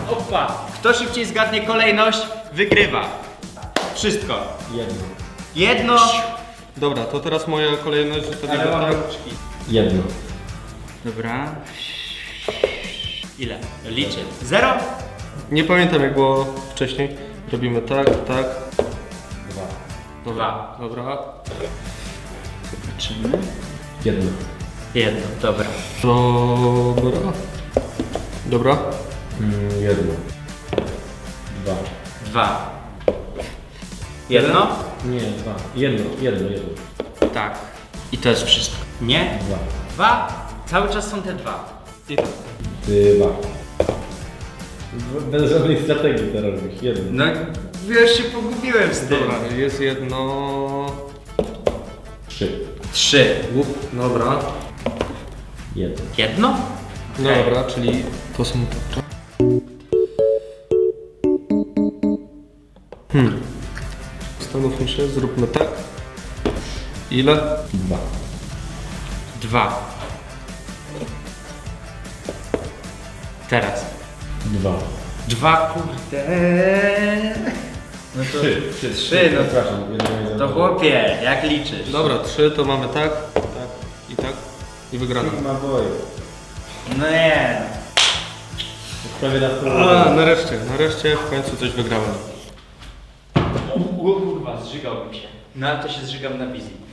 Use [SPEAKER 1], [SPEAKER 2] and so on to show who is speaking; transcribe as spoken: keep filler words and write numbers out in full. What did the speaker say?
[SPEAKER 1] Opa. Kto szybciej zgadnie kolejność, wygrywa. Wszystko.
[SPEAKER 2] Jedno.
[SPEAKER 1] Jedno.
[SPEAKER 3] Dobra, to teraz moja kolejność, że to
[SPEAKER 1] Ale
[SPEAKER 3] tak.
[SPEAKER 1] mam rączki.
[SPEAKER 2] Jedno.
[SPEAKER 1] Dobra. Ile? Liczę. Zero?
[SPEAKER 3] Nie pamiętam jak było wcześniej. Robimy tak, tak.
[SPEAKER 2] Dwa.
[SPEAKER 3] Dobra, dobra.
[SPEAKER 1] Zobaczymy.
[SPEAKER 2] Jedno.
[SPEAKER 1] Jedno, dobra.
[SPEAKER 3] Dobra. Dobra.
[SPEAKER 2] Mm, jedno. Dwa.
[SPEAKER 1] Dwa. Jedno?
[SPEAKER 2] Nie, dwa. Jedno, jedno, jedno.
[SPEAKER 1] Tak. I to jest wszystko. Nie?
[SPEAKER 2] Dwa.
[SPEAKER 1] Dwa? Cały czas są te dwa.
[SPEAKER 3] I tak.
[SPEAKER 2] Dwa. Bez żadnej strategii to robisz. Jedno.
[SPEAKER 1] No, już się pogubiłem z tym.
[SPEAKER 3] Dobra, jest jedno...
[SPEAKER 2] Trzy.
[SPEAKER 1] Trzy.
[SPEAKER 3] Łup. Dobra.
[SPEAKER 2] Jedno.
[SPEAKER 1] Jedno?
[SPEAKER 3] No
[SPEAKER 1] Okej.
[SPEAKER 3] dobra, czyli to są tarcze. Hmm. Zastanówmy się, zróbmy tak. Ile?
[SPEAKER 2] Dwa.
[SPEAKER 1] Dwa. Teraz.
[SPEAKER 2] Dwa.
[SPEAKER 1] Dwa, kurde. No to
[SPEAKER 2] Trzy.
[SPEAKER 1] Trzy, trzy no
[SPEAKER 2] Przepraszam, jedno nie
[SPEAKER 1] to
[SPEAKER 2] zabrałem.
[SPEAKER 1] chłopie, jak liczysz?
[SPEAKER 3] Dobra, trzy to mamy tak, tak i tak. I wygrana.
[SPEAKER 2] Sigma boy.
[SPEAKER 1] No nie.
[SPEAKER 2] Prawie na
[SPEAKER 3] A,
[SPEAKER 2] stronę.
[SPEAKER 3] nareszcie, nareszcie w końcu coś wygrałem.
[SPEAKER 1] O kurwa, zżygałbym się. No ale to się zżygam na wizji.